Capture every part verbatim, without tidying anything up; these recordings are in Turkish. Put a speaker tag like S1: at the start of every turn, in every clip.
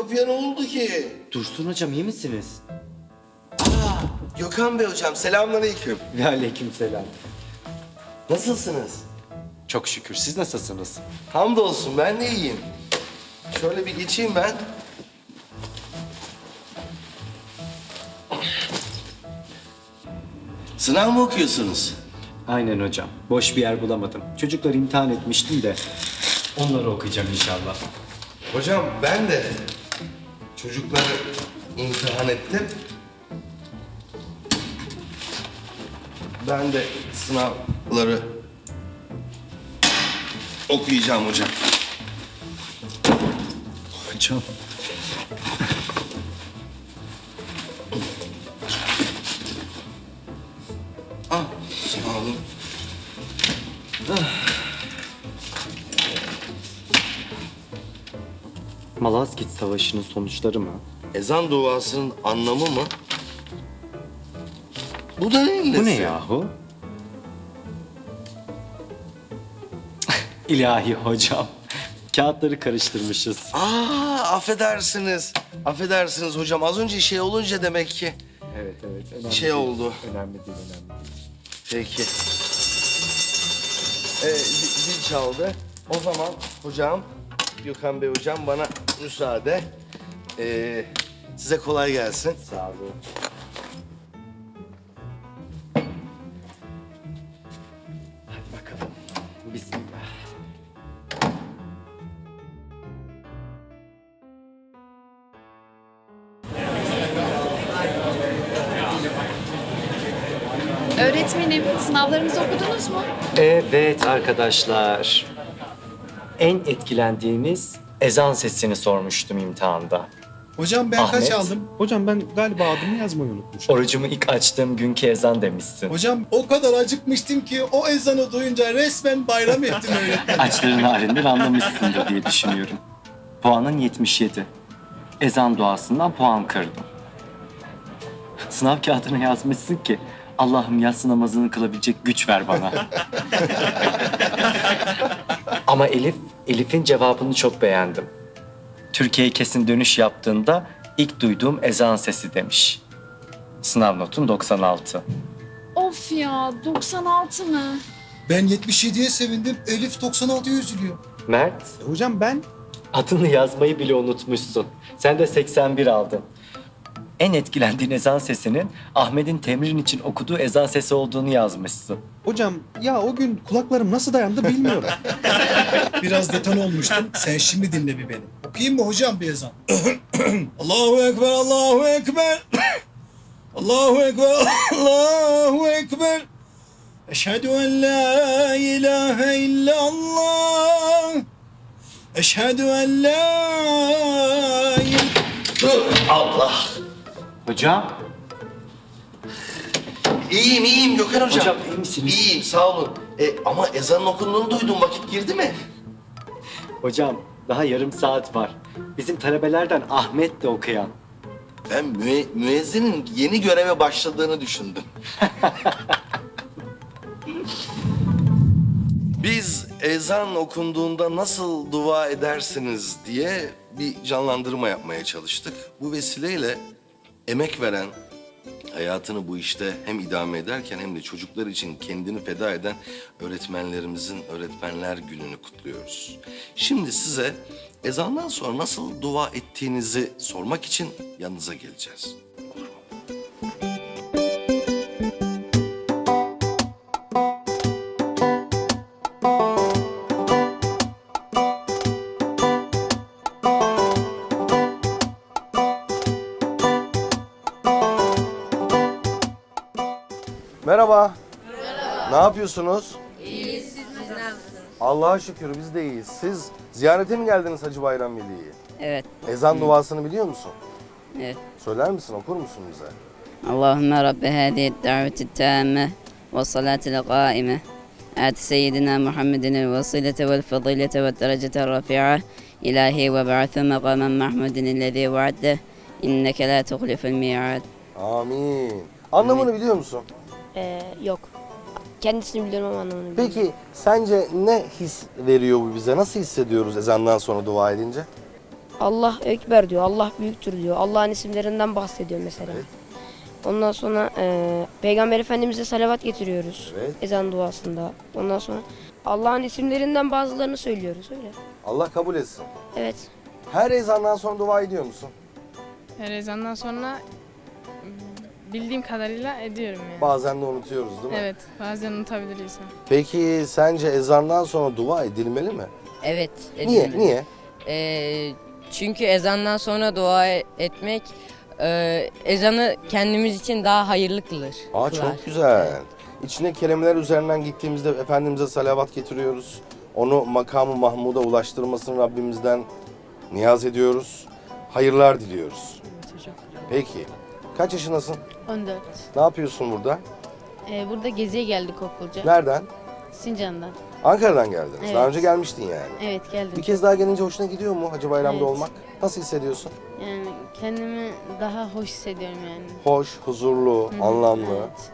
S1: kapıya ne oldu ki?
S2: Dursun hocam iyi misiniz?
S1: Aa, Gökhan Bey hocam selamünaleyküm.
S2: Ve aleykümselam.
S1: Nasılsınız?
S2: Çok şükür. Siz nasılsınız?
S1: Hamdolsun ben de iyiyim. Şöyle bir geçeyim ben. Sınav mı okuyorsunuz?
S2: Aynen hocam. Boş bir yer bulamadım. Çocukları imtihan etmiştim de onları okuyacağım inşallah.
S1: Hocam ben de çocukları imtihan ettim. Ben de sınavları okuyacağım hocam.
S2: Hocam.
S1: Ah, sağ olun.
S2: Malazgirt Savaşı'nın sonuçları mı?
S1: Ezan duasının anlamı mı? Bu da neyin nesi?
S2: Bu ne yahu? İlahi hocam. Kağıtları karıştırmışız.
S1: Aa, affedersiniz. Affedersiniz hocam. Az önce şey olunca demek ki.
S2: Evet evet. Önemli
S1: Şey
S2: değil.
S1: oldu.
S2: Önemli değil, önemli değil.
S1: Peki. Ee, zil, zil çaldı. O zaman hocam, Gökhan Bey hocam bana müsaade. Ee, size kolay gelsin.
S2: Sağ olun. Hadi bakalım. Bismillah.
S3: Öğretmenim, sınavlarımızı okudunuz mu?
S2: Evet arkadaşlar. En etkilendiğiniz ezan sesini sormuştum imtihanda.
S4: Hocam ben
S2: Ahmet.
S4: kaç aldım?
S5: Hocam ben galiba adımı yazmayı unutmuşum.
S2: Orucumu ilk açtığım günkü ezan demişsin.
S4: Hocam o kadar acıkmıştım ki o ezanı duyunca resmen bayram ettim öğretmen.
S2: Açların halinden anlamışsındır diye düşünüyorum. Puanın yetmiş yedi. Ezan duasından puan kırdım. Sınav kağıdına yazmışsın ki Allah'ım yatsı namazını kılabilecek güç ver bana. Ama Elif, Elif'in cevabını çok beğendim. Türkiye'ye kesin dönüş yaptığında ilk duyduğum ezan sesi demiş. Sınav notun doksan altı.
S3: Of ya, doksan altı mı?
S4: Ben yetmiş yediye sevindim, Elif doksan altıya üzülüyor.
S2: Mert,
S5: E, hocam ben
S2: adını yazmayı bile unutmuşsun. Sen de seksen bir aldın. En etkilendiğin ezan sesinin Ahmet'in temrin için okuduğu ezan sesi olduğunu yazmışsın.
S5: hocam ya o gün kulaklarım nasıl dayandı bilmiyorum.
S4: Biraz deton olmuştum, sen şimdi dinle bir beni. Okuyayım mı hocam bir ezan? Allahu Ekber, Allahu Ekber. Allahu Ekber, Allahu Ekber. Eşhedü en la ilahe illallah. Eşhedü en la ilahe.
S1: Dur. Allah.
S2: Hocam.
S1: İyiyim, iyiyim Gökhan hocam.
S2: Hocam, iyi misiniz?
S1: İyiyim, sağ olun. E, ama ezanın okunduğunu duydum. Vakit girdi mi?
S2: Hocam daha yarım saat var. Bizim talebelerden Ahmet de okuyan.
S1: Ben müe- müezzinin yeni göreve başladığını düşündüm. Biz ezan okunduğunda nasıl dua edersiniz diye bir canlandırma yapmaya çalıştık. Bu vesileyle emek veren, hayatını bu işte hem idame ederken hem de çocuklar için kendini feda eden öğretmenlerimizin Öğretmenler Günü'nü kutluyoruz. Şimdi size ezandan sonra nasıl dua ettiğinizi sormak için yanınıza geleceğiz. Merhaba. Merhaba. Ne yapıyorsunuz? İyiyiz. Siz nasılsınız? Allah'a şükür biz de iyiyiz. Siz ziyarete mi geldiniz Hacı Bayram Veli'yi?
S6: Evet.
S1: Ezan duasını biliyor musun?
S6: Evet.
S1: Söyler misin, okur musun bize?
S6: Allahümme Rabbe hâdihi d-daveti t-tâmme ve salâtil qâime. آت سيدنا محمد الوسيلة والفضيلة والدرجة الرفيعة إلهي وابعث مقاما محمود الذي وعده إنك لا تخلف الميعاد.
S1: Amin. Anlamını biliyor musun?
S7: Ee, yok. Kendisini biliyorum ama anlamını bilmiyorum.
S1: Peki sence ne his veriyor bu bize? Nasıl hissediyoruz ezandan sonra dua edince?
S7: Allah Ekber diyor, Allah büyüktür diyor. Allah'ın isimlerinden bahsediyor mesela.
S1: Evet.
S7: Ondan sonra e, Peygamber Efendimiz'e salavat getiriyoruz
S1: Evet.
S7: ezan duasında. Ondan sonra Allah'ın isimlerinden bazılarını söylüyoruz öyle.
S1: Allah kabul etsin.
S7: Evet.
S1: Her ezandan sonra dua ediyor musun?
S8: Her ezandan sonra mm, bildiğim kadarıyla ediyorum yani.
S1: Bazen de unutuyoruz değil mi?
S8: Evet, bazen unutabilir insan.
S1: Peki sence ezandan sonra dua edilmeli mi?
S9: Evet.
S1: Niye?
S9: edilmeli.
S1: Niye?
S9: Ee, çünkü ezandan sonra dua etmek e, ezanı kendimiz için daha hayırlı kılır.
S1: Aa
S9: kılar.
S1: çok güzel. İçine kelimeler üzerinden gittiğimizde Efendimiz'e salavat getiriyoruz. Onu makamı Mahmud'a ulaştırmasını Rabbimizden niyaz ediyoruz. Hayırlar diliyoruz. Peki. Kaç yaşındasın?
S10: on dört.
S1: Ne yapıyorsun burada?
S10: Ee, burada geziye geldik okulca.
S1: Nereden?
S10: Sincan'dan.
S1: Ankara'dan geldiniz.
S10: Evet.
S1: Daha önce gelmiştin yani.
S10: Evet geldim.
S1: Bir kez daha gelince hoşuna gidiyor mu Hacı Bayram'da
S10: Evet.
S1: olmak? Nasıl hissediyorsun?
S10: Yani kendimi daha hoş hissediyorum yani.
S1: Hoş, huzurlu,
S10: Hı hı,
S1: anlamlı.
S10: Evet.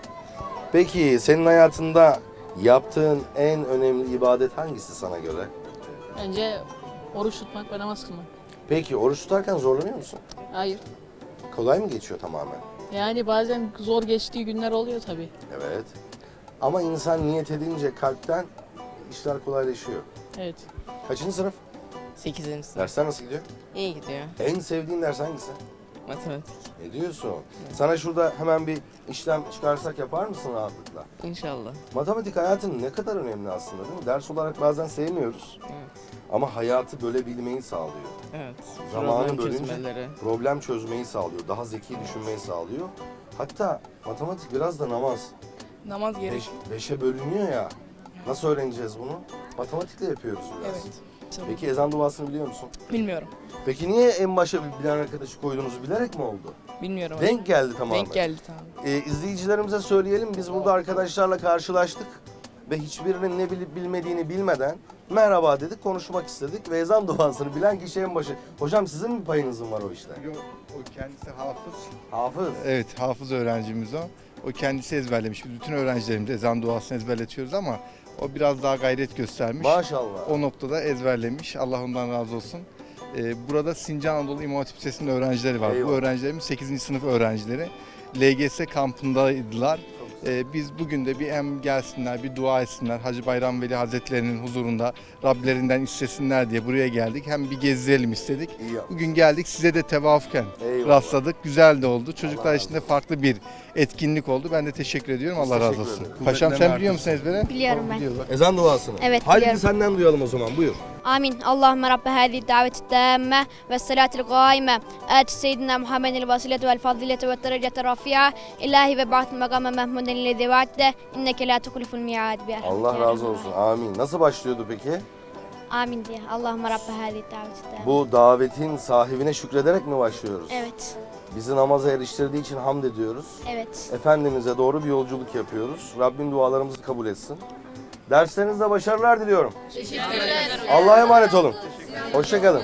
S1: Peki senin hayatında yaptığın en önemli ibadet hangisi sana göre?
S11: Bence oruç tutmak ve namaz kılmak.
S1: Peki oruç tutarken zorlanıyor musun?
S11: Hayır.
S1: Kolay mı geçiyor tamamen?
S11: Yani bazen zor geçtiği günler oluyor tabii.
S1: Evet. Ama insan niyet edince kalpten işler kolaylaşıyor.
S11: Evet.
S1: Kaçıncı sınıf?
S9: sekizinci sınıf.
S1: Dersler nasıl gidiyor?
S9: İyi gidiyor.
S1: En sevdiğin ders hangisi?
S9: Matematik.
S1: Ne diyorsun? Sana şurada hemen bir işlem çıkarsak yapar mısın rahatlıkla?
S9: İnşallah.
S1: Matematik hayatın ne kadar önemli aslında değil mi? Ders olarak bazen sevmiyoruz.
S9: Evet.
S1: Ama hayatı bölebilmeyi sağlıyor.
S9: Evet.
S1: Zamanı
S9: Problem
S1: bölünce
S9: çözmeleri.
S1: problem çözmeyi sağlıyor. Daha zeki düşünmeyi sağlıyor. Hatta matematik biraz da namaz.
S11: Namaz gerek.
S1: Beş, beşe bölünüyor ya. Nasıl öğreneceğiz bunu? Matematikle yapıyoruz biraz.
S11: Evet.
S1: Peki ezan duasını biliyor musun?
S11: Bilmiyorum.
S1: Peki niye en başa bir bilen arkadaşı koyduğunuzu bilerek mi oldu?
S11: Bilmiyorum.
S1: Denk geldi tamamen.
S11: Denk geldi tamam.
S1: Ee, izleyicilerimize söyleyelim. Biz burada arkadaşlarla karşılaştık. Ve hiçbirinin ne bilip bilmediğini bilmeden merhaba dedik, konuşmak istedik. Ve ezan duasını bilen kişi en başı. Hocam sizin mi payınızın var o işte?
S12: Yok, o kendisi hafız.
S1: Hafız.
S12: Evet, hafız öğrencimiz o. O kendisi ezberlemiş. Biz bütün öğrencilerimize ezan duasını ezberletiyoruz ama o biraz daha gayret göstermiş.
S1: Maşallah.
S12: O noktada ezberlemiş. Allah ondan razı olsun. Ee, burada Sincan Anadolu İmam Hatip Lisesi'nin öğrencileri var.
S1: Eyvallah.
S12: Bu öğrencilerimiz sekizinci sınıf öğrencileri. L G S kampındaydılar. Ee, biz bugün de bir hem gelsinler, bir dua etsinler. Hacı Bayram Veli Hazretleri'nin huzurunda Rablerinden istesinler diye buraya geldik. Hem bir gezdirelim istedik.
S1: İyi yapmış.
S12: Bugün geldik, size de tevafuken
S1: Eyvallah.
S12: rastladık. Güzel de oldu. Çocuklar
S1: Allah
S12: için de farklı bir etkinlik oldu. Ben de teşekkür ediyorum.
S1: Biz
S12: Allah razı
S1: teşekkür
S12: olsun.
S1: ederiz.
S12: Paşam sen
S1: Kuvvetlerine
S12: biliyor musun ezbere?
S7: Biliyorum ben.
S12: Biliyor bak.
S1: Ezan duasını.
S7: Evet,
S1: Haydi
S7: biliyorum.
S1: senden duyalım o zaman. Buyur.
S7: آمين اللهم رب هذه الدعوة التامة والصلاة القائمة آت سيدنا محمد الوسيلة والفضيلة والدرجة الرفيعة إلهي وبعث مقام محمود الذي وعدته إنك لا تخلف الميعاد برحمتك
S1: Allah
S7: يا
S1: razı
S7: أرحم
S1: olsun. Amin. Nasıl başlıyordu peki?
S7: الراحمين. آمين diye. اللهم رب هذه الدعوة التامة.
S1: Bu davetin sahibine şükrederek mi başlıyoruz?
S7: Evet.
S1: Bizi namaza eriştirdiği için hamd ediyoruz.
S7: Evet.
S1: Efendimiz'e doğru bir yolculuk yapıyoruz. Rabbim dualarımızı kabul etsin. Derslerinizde başarılar diliyorum. Teşekkürler. Allah'a emanet olun. Hoşçakalın.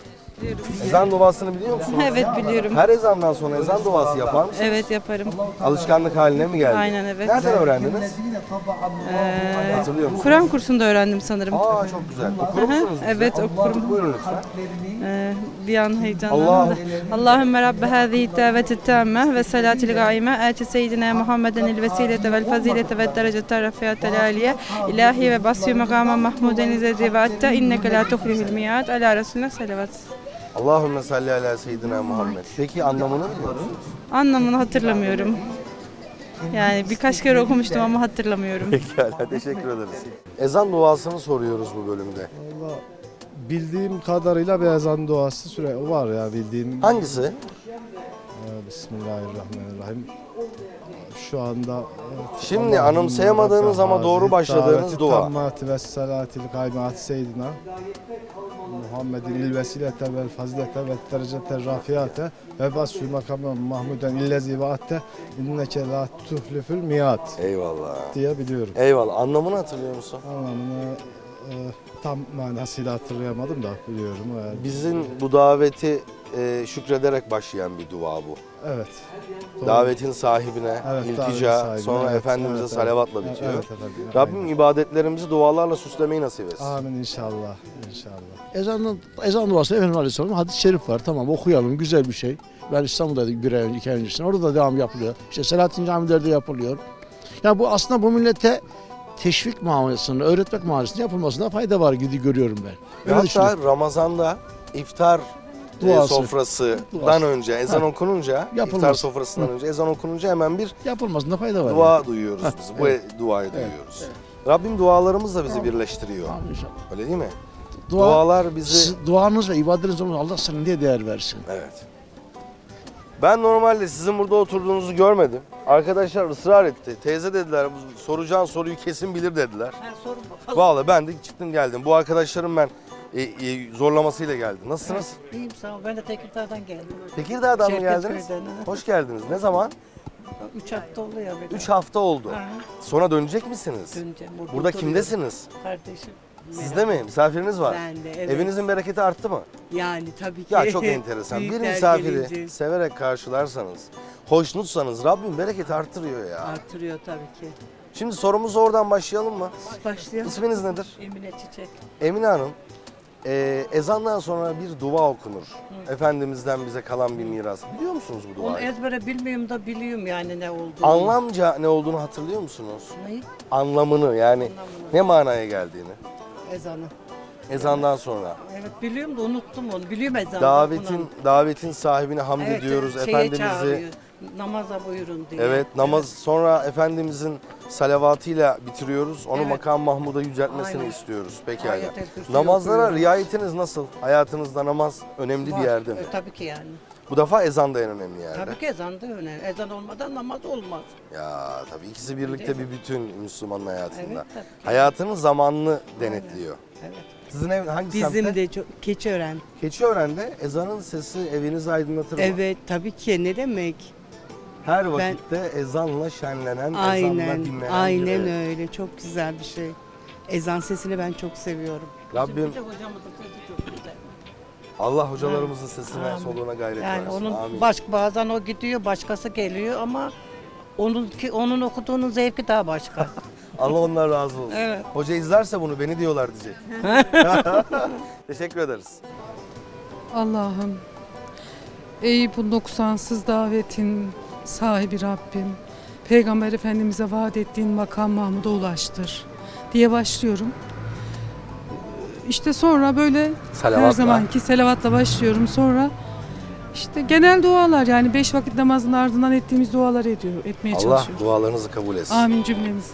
S1: Ezan duasını biliyor musunuz?
S10: Evet biliyorum.
S1: Her ezandan sonra ezan duası yapar mısınız?
S10: Evet yaparım.
S1: Alışkanlık haline mi geldi?
S10: Aynen, evet.
S1: Nereden öğrendiniz?
S10: Ee,
S1: Hatırlıyor musunuz?
S10: Kur'an kursunda öğrendim sanırım.
S1: Aa çok güzel. Okur musunuz bize?
S10: Evet, okurum.
S1: Buyurun lütfen.
S10: Ee, bir an
S1: Allah.
S10: heyecanlandım da. Allahümme Rabbe hâzihi daveti tamme ve salatil gâime âti seyyidina Muhammeden il vesilete vel fazilete ve derecete rafiyatel aliye ilahi ve basyu makama mahmuden izedi ve atta inneke la tuhlihul miyad ala Resulüne salavat.
S1: Allahümme salli ala seyyidina Muhammed. Peki anlamını biliyor musunuz?
S10: Anlamını hatırlamıyorum. Yani birkaç kere okumuştum ama hatırlamıyorum.
S1: Pekala, teşekkür ederiz. Ezan duasını soruyoruz bu bölümde.
S13: Valla bildiğim kadarıyla bir ezan duası süre var ya bildiğim.
S1: Hangisi?
S13: Ee, Bismillahirrahmanirrahim. Şu anda evet,
S1: Şimdi
S13: Allahümme
S1: anımsayamadığınız ama doğru
S13: Rabbe
S1: başladığınız
S13: daveti
S1: dua.
S13: tammati ve salatil kaymat seyyidina Muhammedin il vesilete vel fazilete ve derecete rafiyate ve basü makamı mahmuden illezi vaatte inneke la tuhlifül miyat
S1: Eyvallah.
S13: diye biliyorum.
S1: Eyvallah. Anlamını hatırlıyor musun?
S13: Anlamını e, tam manasıyla hatırlayamadım da biliyorum. Yani.
S1: Bizim bu daveti e, şükrederek başlayan bir dua bu.
S13: Evet. Doğru.
S1: Davetin sahibine
S13: Evet,
S1: iltica,
S13: davetin sahibine,
S1: sonra
S13: evet,
S1: Efendimiz'e
S13: evet,
S1: salavatla
S13: evet.
S1: bitiyor.
S13: Evet, efendim,
S1: Rabbim
S13: aynen.
S1: ibadetlerimizi dualarla süslemeyi nasip etsin.
S13: Amin inşallah. İnşallah.
S14: Ezan, ezan duası Efendimiz Aleyhisselam'ın hadis-i şerif var. Tamam okuyalım, güzel bir şey. Ben İstanbul'daydım bir ay önce, iki ay öncesinde. Orada da devam yapılıyor. İşte Selahattin camilerde yapılıyor. Yani bu aslında bu millete teşvik muamelesinde, öğretmek muamelesinde yapılmasında fayda var gibi görüyorum ben. Öyle
S1: Hatta Ramazan'da iftar e,
S14: Duası.
S1: sofrasından
S14: Duası.
S1: önce, ezan
S14: Ha.
S1: okununca,
S14: Yapılmaz.
S1: iftar sofrasından
S14: Hı.
S1: önce ezan okununca hemen bir
S14: yapılmasında fayda var.
S1: dua
S14: yani.
S1: duyuyoruz
S14: Ha,
S1: biz. Bu
S14: evet.
S1: duayı
S14: Evet,
S1: duyuyoruz.
S14: evet.
S1: Rabbim dualarımızla bizi birleştiriyor.
S14: Amin inşallah.
S1: Öyle değil mi?
S14: Dua-
S1: Dualar bizi...
S14: Siz- duanız ve ibadetiniz olmalı. Allah sana diye değer versin.
S1: Evet. Ben normalde sizin burada oturduğunuzu görmedim. Arkadaşlar ısrar etti. Teyze dediler, bu soracağın soruyu kesin bilir dediler.
S15: Sorun bakalım.
S1: Vallahi ben de çıktım geldim. Bu arkadaşlarım ben e, e, zorlamasıyla geldi. Nasılsınız?
S15: İyiyim sağ ol. Ben de Tekirdağ'dan geldim.
S1: Tekirdağ'dan mı
S15: Şevket
S1: geldiniz?
S15: Köy'den, ha.
S1: Hoş geldiniz. Ne zaman?
S15: Üç hafta oluyor. bir
S1: Üç
S15: daha.
S1: hafta oldu.
S15: Ha.
S1: Sonra dönecek misiniz?
S15: Döneceğim. Burada
S1: Burada
S15: oturuyorum.
S1: kimdesiniz?
S15: Kardeşim.
S1: Sizde mi? Misafiriniz var.
S15: Ben de, evet.
S1: Evinizin bereketi arttı mı?
S15: Yani tabii ki.
S1: Ya çok enteresan. Bir
S15: Büyükler
S1: misafiri
S15: gelince
S1: severek karşılarsanız, hoşnutsanız Rabbim bereketi arttırıyor ya.
S15: Artırıyor tabii ki.
S1: Şimdi sorumuza oradan başlayalım mı?
S15: Başlayalım.
S1: İsminiz nedir?
S15: Emine Çiçek.
S1: Emine Hanım, e, ezandan sonra bir dua okunur. Efendimiz'den bize kalan bir miras. Biliyor musunuz bu
S15: Onu
S1: duayı?
S15: ezbere bilmiyorum da biliyorum yani ne olduğunu.
S1: Anlamca ne olduğunu hatırlıyor musunuz?
S15: Neyi?
S1: Anlamını yani
S15: Anlamını.
S1: ne manaya geldiğini.
S15: Ezanı.
S1: Ezandan sonra.
S15: Evet biliyorum da unuttum onu. Biliyorum ezanı.
S1: Davetin
S15: okunan.
S1: davetin sahibine hamd
S15: Evet,
S1: ediyoruz.
S15: şeye
S1: Efendimiz'i
S15: çağırıyor, namaza buyurun diye.
S1: evet namaz sonra Efendimizin salavatıyla bitiriyoruz. Onu
S15: Evet.
S1: makam Mahmud'a yüceltmesini
S15: Aynen.
S1: istiyoruz. Pekala.
S15: Ayetel Kürsi
S1: Namazlara
S15: okuyoruz.
S1: riayetiniz nasıl? Hayatınızda namaz önemli
S15: Var.
S1: bir yerde mi?
S15: E, tabii ki yani.
S1: Bu defa ezan da en önemli yerde.
S15: Tabii ki ezan da önemli. Ezan olmadan namaz olmaz.
S1: Ya tabii ikisi birlikte bir bütün Müslümanın hayatında.
S15: Evet, tabii ki.
S1: Hayatının zamanını denetliyor.
S15: Evet.
S1: Sizin ev hangi
S15: Bizim
S1: semtte?
S15: de çok Keçiören.
S1: Keçiören'de ezanın sesi evinizi aydınlatır mı?
S15: Evet tabii ki ne demek?
S1: Her
S15: Ben-
S1: vakitte ezanla şenlenen, ezanla
S15: Aynen,
S1: dinlenen
S15: aynen
S1: biri.
S15: öyle. Çok güzel bir şey. Ezan sesini ben çok seviyorum.
S1: Rabbim
S15: Bizim de hocamızın sesi çok güzel.
S1: Allah hocalarımızın sesine,
S15: Amin.
S1: soluğuna gayret
S15: Yani
S1: versin.
S15: onun
S1: Amin.
S15: baş, bazen o gidiyor, başkası geliyor ama onun ki onun okuduğunun zevki daha başka.
S1: Allah ondan razı olsun.
S15: Evet.
S1: Hoca izlerse bunu beni diyorlar diyecek. Teşekkür ederiz.
S16: Allah'ım, ey bu noksansız davetin sahibi Rabbim, Peygamber Efendimiz'e vaat ettiğin makam Mahmud'a ulaştır diye başlıyorum. İşte sonra böyle
S1: Salavatla.
S16: her zamanki selavatla başlıyorum. Sonra işte genel dualar yani beş vakit namazın ardından ettiğimiz duaları ediyor, etmeye
S1: Allah
S16: çalışıyoruz.
S1: dualarınızı kabul etsin.
S16: Amin cümlemiz.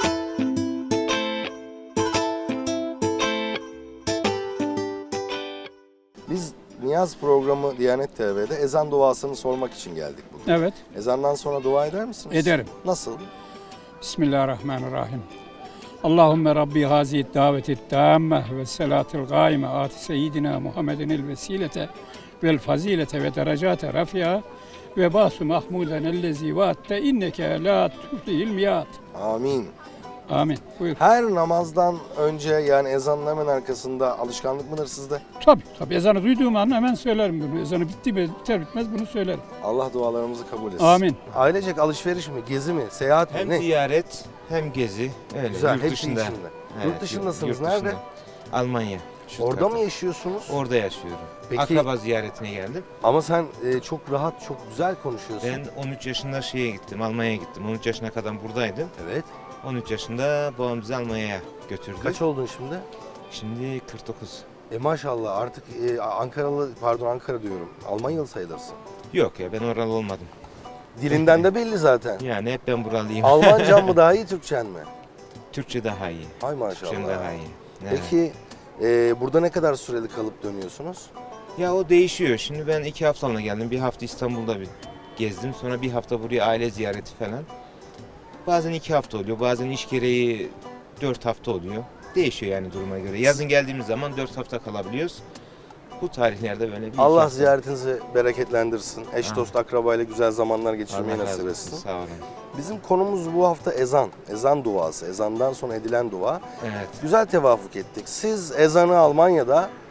S1: Biz Niyaz programı Diyanet T V'de ezan duasını sormak için geldik bugün.
S17: Evet.
S1: Ezandan sonra dua eder misiniz?
S17: Ederim.
S1: Nasıl?
S17: Bismillahirrahmanirrahim. Allahümme Rabbi haziyet daveti tamme ve selatil gaime ati seyyidina Muhammedin el vesilete vel fazilete ve derecate rafi'a ve basu mahmuden ellezi vaatte inneke la tuflihil miyat.
S1: Amin.
S17: Amin. Buyur.
S1: Her namazdan önce yani ezanın hemen arkasında alışkanlık mıdır sizde?
S17: Tabii tabii ezanı duyduğum an hemen söylerim bunu. Ezanı bitti mi biter bitmez bunu söylerim.
S1: Allah dualarımızı kabul etsin.
S17: Amin.
S1: Ailecek alışveriş mi, gezi mi, seyahat mi?
S18: Hem
S1: ne?
S18: ziyaret hem gezi. Öyle,
S1: Güzel,
S18: yurt
S1: hepsi
S18: dışında.
S1: içinde. Yurt dışındasınız,
S18: yurt
S1: nerede?
S18: dışında. Almanya.
S1: Orada
S18: Stuttgart'ta.
S1: mı yaşıyorsunuz?
S18: Orada yaşıyorum.
S1: Peki-
S18: Akraba ziyaretine geldim.
S1: Ama sen e, çok rahat, çok güzel konuşuyorsun.
S18: Ben on üç yaşında şeye gittim, Almanya'ya gittim. on üç yaşına kadar buradaydım.
S1: Evet.
S18: on üç yaşında babam bizi Almanya'ya götürdü.
S1: Kaç oldun şimdi?
S18: Şimdi kırk dokuz.
S1: E maşallah artık e, Ankaralı, pardon Ankara diyorum. Almanyalı sayılırsın.
S18: Yok ya ben oralı olmadım.
S1: Dilinden de belli zaten.
S18: Yani hep ben buralıyım.
S1: Almancan mı daha iyi, Türkçen mi?
S18: Türkçe daha iyi.
S1: Hay maşallah.
S18: Türkçen daha iyi. Evet.
S1: Peki e, burada ne kadar süreli kalıp dönüyorsunuz?
S18: Ya o değişiyor. Şimdi ben iki haftalığına geldim. Bir hafta İstanbul'da bir gezdim. Sonra bir hafta buraya aile ziyareti falan. Bazen iki hafta oluyor. Bazen iş gereği dört hafta oluyor. Değişiyor yani duruma göre. Yazın geldiğimiz zaman dört hafta kalabiliyoruz. Bu tarihlerde böyle bir iki
S1: Allah
S18: hafta.
S1: ziyaretinizi bereketlendirsin. Eş
S18: Amin.
S1: dost akrabayla güzel zamanlar geçirmeyi
S18: Allah razı
S1: nasip
S18: olsun,
S1: etsin.
S18: sağ olun.
S1: Bizim konumuz bu hafta ezan. Ezan duası. Ezandan sonra edilen dua.
S18: Evet.
S1: Güzel tevafuk ettik. Siz ezanı Almanya'da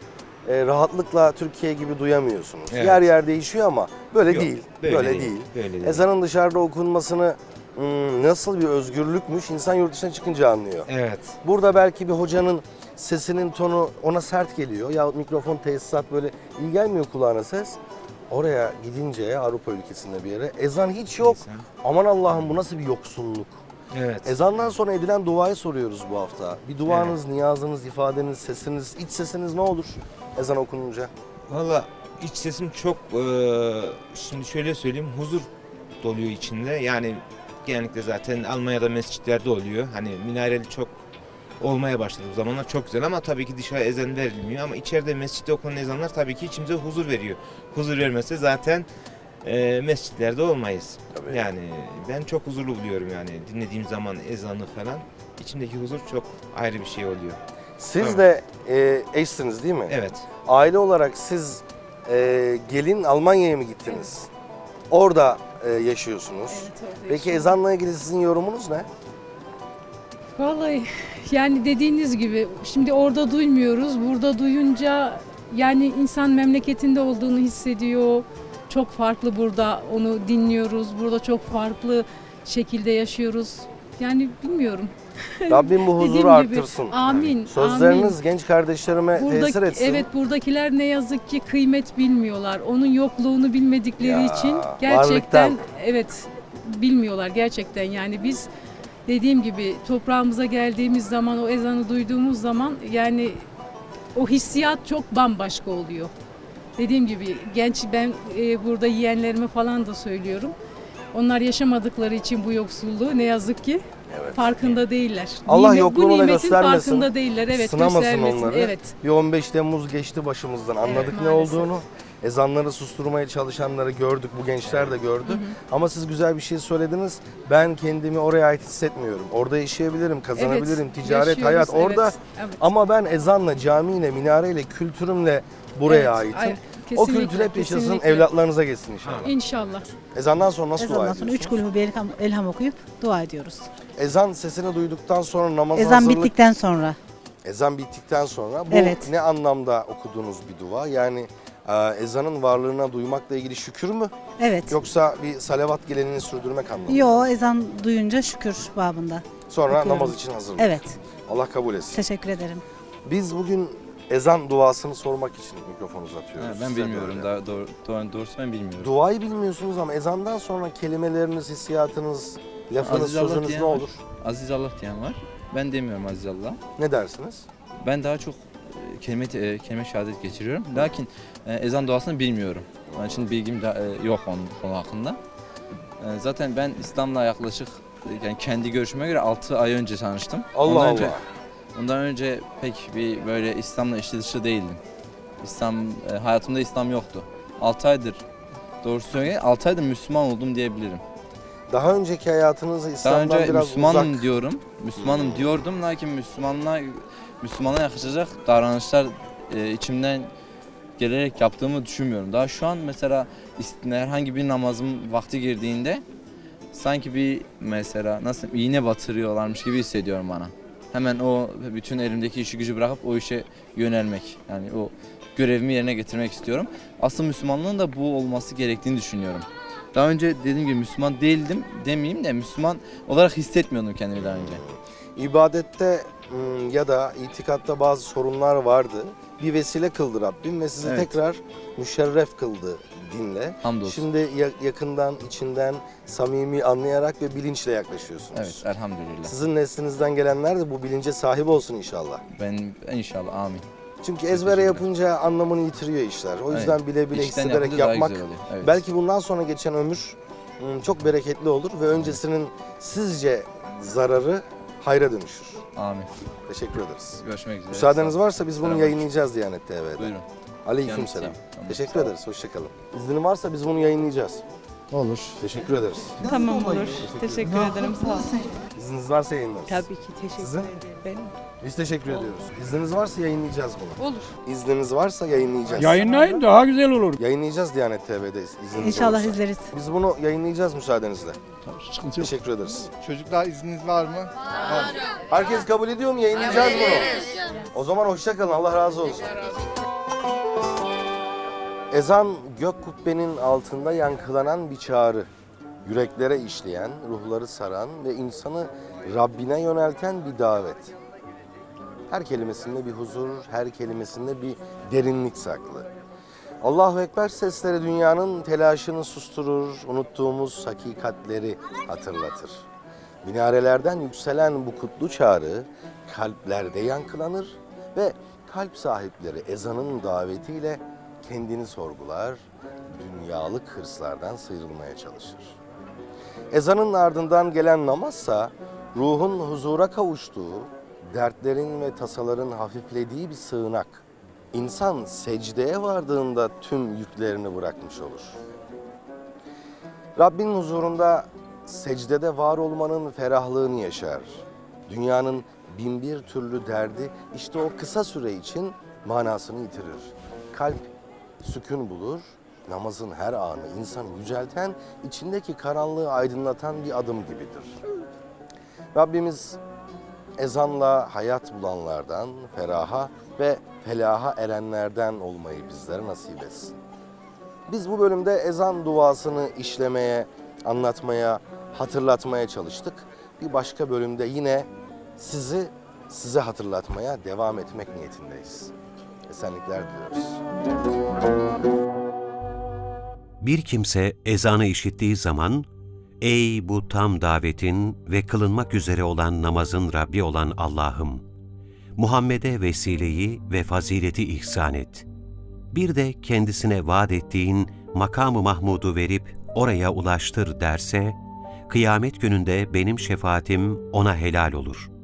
S1: e, rahatlıkla Türkiye gibi duyamıyorsunuz.
S18: Evet.
S1: Yer yer değişiyor ama böyle
S18: Yok,
S1: değil.
S18: böyle
S1: Böyle,
S18: değil,
S1: değil.
S18: böyle değil.
S1: Ezanın dışarıda okunmasını hmm, nasıl bir özgürlükmüş insan yurt dışına çıkınca anlıyor.
S18: Evet.
S1: Burada belki bir hocanın sesinin tonu ona sert geliyor ya mikrofon tesisat böyle iyi gelmiyor kulağına ses. Oraya gidince Avrupa ülkesinde bir yere ezan hiç yok. Aman Allah'ım bu nasıl bir yoksunluk.
S18: Evet.
S1: Ezandan sonra edilen duayı soruyoruz bu hafta. Bir duanız, niyazınız, ifadeniz, sesiniz, iç sesiniz ne olur ezan okununca?
S18: Valla iç sesim çok eee, şimdi şöyle söyleyeyim huzur doluyor içinde. Yani genellikle zaten Almanya'da mescitlerde oluyor. Hani minareli çok olmaya başladı bu zamanlar çok güzel ama tabii ki dışarı ezan verilmiyor ama içeride mescitte okunan ezanlar tabii ki içimize huzur veriyor. Huzur vermezse zaten eee, mescitlerde olmayız.
S1: Tabii.
S18: Yani ben çok huzurlu buluyorum yani dinlediğim zaman ezanı falan. İçimdeki huzur çok ayrı bir şey oluyor.
S1: Siz
S18: Evet.
S1: de e, eşsiniz değil mi?
S18: Evet.
S1: Aile olarak siz e, gelin Almanya'ya mı gittiniz? Orada e, yaşıyorsunuz. Peki ezanla ilgili sizin yorumunuz ne?
S16: Vallahi yani dediğiniz gibi şimdi orada duymuyoruz. Burada duyunca yani insan memleketinde olduğunu hissediyor. Çok farklı burada onu dinliyoruz. Burada çok farklı şekilde yaşıyoruz. Yani bilmiyorum.
S1: Rabbim bu huzuru
S16: Dediğim gibi,
S1: arttırsın.
S16: Amin.
S1: Sözleriniz
S16: amin.
S1: genç kardeşlerime tesir
S16: Buradaki,
S1: etsin.
S16: evet buradakiler ne yazık ki kıymet bilmiyorlar. Onun yokluğunu bilmedikleri
S1: Ya,
S16: için gerçekten
S1: varlıktan.
S16: evet bilmiyorlar gerçekten. Yani biz dediğim gibi toprağımıza geldiğimiz zaman o ezanı duyduğumuz zaman yani o hissiyat çok bambaşka oluyor. Dediğim gibi genç ben e, burada yeğenlerime falan da söylüyorum. Onlar yaşamadıkları için bu yoksulluğu ne yazık ki farkında değiller.
S1: Allah
S16: Nimet-
S1: yokluğunu
S16: bu
S1: da
S16: nimetin
S1: göstermesin.
S16: farkında değiller. Evet,
S1: Sınamasın
S16: göstermesin.
S1: onları.
S16: Evet.
S1: Bir on beş Temmuz geçti başımızdan. Anladık ne
S16: maalesef.
S1: olduğunu. Ezanları susturmaya çalışanları gördük. Bu gençler de gördü.
S16: Hı hı.
S1: Ama siz güzel bir şey söylediniz. Ben kendimi oraya ait hissetmiyorum. Orada yaşayabilirim, kazanabilirim.
S16: Evet,
S1: Ticaret,
S16: yaşıyoruz,
S1: hayat orada.
S16: evet, evet.
S1: Ama ben ezanla, camiyle, minareyle, kültürümle buraya
S16: Evet,
S1: aitim.
S16: ay-
S1: O
S16: kesinlikle,
S1: kültür hep yaşasın,
S16: kesinlikle.
S1: evlatlarınıza geçsin inşallah.
S16: İnşallah.
S1: Ezandan sonra nasıl dua
S19: Ezandan sonra
S1: ediyorsunuz?
S19: üç kulübü bir elham, elham okuyup dua ediyoruz.
S1: Ezan sesini duyduktan sonra namaza
S19: Ezan
S1: hazırlık...
S19: bittikten sonra.
S1: Ezan bittikten sonra bu
S19: Evet.
S1: ne anlamda okuduğunuz bir dua? Yani e, ezanın varlığına duymakla ilgili şükür mü?
S19: Evet.
S1: Yoksa bir salavat geleneğini sürdürmek anlamında mı?
S19: Yo ezan duyunca şükür babında.
S1: Sonra
S19: okuyorum.
S1: namaz için hazırlık.
S19: Evet.
S1: Allah kabul etsin.
S19: Teşekkür ederim.
S1: Biz bugün ezan duasını sormak için mikrofon uzatıyoruz.
S20: Ha, ben
S1: Size
S20: bilmiyorum.
S1: böyle.
S20: Daha doğru, doğru, doğrusu ben bilmiyorum.
S1: Duayı bilmiyorsunuz ama ezandan sonra kelimeleriniz, hissiyatınız, lafınız,
S20: Aziz Allah
S1: sözünüz
S20: diyen
S1: ne
S20: var.
S1: olur?
S20: Aziz Allah diyen var. Ben demiyorum Aziz Allah.
S1: Ne dersiniz?
S20: Ben daha çok e, kelime e, kelime şehadet geçiriyorum. Lakin e, ezan duasını bilmiyorum. Onun için bilgim de, e, yok onun konu hakkında. E, zaten ben İslam'la yaklaşık e, yani kendi görüşüme göre altı ay önce tanıştım.
S1: Allah
S20: ondan
S1: Allah.
S20: Önce, ondan önce pek bir böyle İslam'la içli dışı değildim. İslam e, hayatımda İslam yoktu. altı aydır doğrusu söyleyeyim altı aydır Müslüman oldum diyebilirim.
S1: Daha önceki hayatınızı
S20: Daha
S1: İslam'dan
S20: önce
S1: biraz
S20: Müslümanım
S1: uzak.
S20: diyorum. Müslümanım diyordum lakin Müslümanlığa Müslümana yakışacak davranışlar e, içimden gelerek yaptığımı düşünmüyorum. Daha şu an mesela ist- herhangi bir namazım vakti girdiğinde sanki bir mesela nasıl iğne batırıyorlarmış gibi hissediyorum bana. Hemen o bütün elimdeki işi gücü bırakıp o işe yönelmek. Yani o görevimi yerine getirmek istiyorum. Asıl Müslümanlığın da bu olması gerektiğini düşünüyorum. Daha önce dediğim gibi Müslüman değildim demeyeyim de Müslüman olarak hissetmiyordum kendimi daha önce.
S1: İbadette ım, ya da itikatta bazı sorunlar vardı. Bir vesile kıldı Rabbim ve sizi
S20: Evet.
S1: tekrar müşerref kıldı dinle.
S20: Hamdolsun.
S1: Şimdi ya- yakından, içinden, samimi anlayarak ve bilinçle yaklaşıyorsunuz.
S20: Evet, elhamdülillah.
S1: Sizin neslinizden gelenler de bu bilince sahip olsun inşallah.
S20: Ben inşallah amin.
S1: Çünkü ezbere yapınca anlamını yitiriyor işler. O yüzden
S20: Evet.
S1: bile bile
S20: İçten
S1: hissederek
S20: yapınca daha
S1: yapmak
S20: güzel oluyor. Evet.
S1: belki bundan sonra geçen ömür ım, çok bereketli olur ve öncesinin sizce zararı hayra dönüşür.
S20: Amin.
S1: Teşekkür ederiz.
S20: Görüşmek üzere.
S1: Müsaadeniz
S20: Sağ olun.
S1: varsa biz bunu
S20: Selam.
S1: yayınlayacağız Diyanet T V'de.
S20: Buyurun.
S1: Aleyküm selam.
S20: Yanınızdayım. Tamam,
S1: Teşekkür
S20: sağ olun.
S1: ederiz. Hoşçakalın. İznin varsa biz bunu yayınlayacağız.
S13: Olur.
S1: Teşekkür ederiz.
S10: Tamam olur. Teşekkür ederim. Sağ olun.
S1: İzniniz varsa yayınlarız.
S10: Tabii ki teşekkür
S1: Sizin?
S10: ederim. Benim.
S1: Biz teşekkür ediyoruz. İzniniz varsa yayınlayacağız bunu.
S10: Olur.
S1: İzniniz varsa yayınlayacağız.
S17: Yayınlayın daha güzel olur.
S1: Yayınlayacağız Diyanet T V'de izniniz
S19: İnşallah
S1: olursa.
S19: izleriz.
S1: Biz bunu yayınlayacağız müsaadenizle.
S14: Sıkıntı yok.
S1: Teşekkür ederiz.
S12: Çocuklar izniniz var mı? Var.
S1: Herkes kabul ediyor mu? Yayınlayacağız bunu. O zaman hoşça kalın. Allah razı olsun. Ezan gök kubbenin altında yankılanan bir çağrı. Yüreklere işleyen, ruhları saran ve insanı Rabbine yönelten bir davet. Her kelimesinde bir huzur, her kelimesinde bir derinlik saklı. Allahu Ekber sesleri dünyanın telaşını susturur, unuttuğumuz hakikatleri hatırlatır. Minarelerden yükselen bu kutlu çağrı kalplerde yankılanır ve kalp sahipleri ezanın davetiyle kendini sorgular, dünyalık hırslardan sıyrılmaya çalışır. Ezanın ardından gelen namazsa ruhun huzura kavuştuğu, dertlerin ve tasaların hafiflediği bir sığınak. İnsan secdeye vardığında tüm yüklerini bırakmış olur. Rabbin huzurunda secdede var olmanın ferahlığını yaşar. Dünyanın bin bir türlü derdi işte o kısa süre için manasını yitirir. Kalp sükun bulur, namazın her anı insanı yücelten, içindeki karanlığı aydınlatan bir adım gibidir. Rabbimiz ezanla hayat bulanlardan, feraha ve felaha erenlerden olmayı bizlere nasip etsin. Biz bu bölümde ezan duasını işlemeye, anlatmaya, hatırlatmaya çalıştık. Bir başka bölümde yine sizi size hatırlatmaya devam etmek niyetindeyiz. Esenlikler diliyoruz.
S21: Bir kimse ezanı işittiği zaman, ''Ey bu tam davetin ve kılınmak üzere olan namazın Rabbi olan Allah'ım, Muhammed'e vesileyi ve fazileti ihsan et. Bir de kendisine vaat ettiğin makam-ı Mahmud'u verip oraya ulaştır.'' derse, kıyamet gününde benim şefaatim ona helal olur.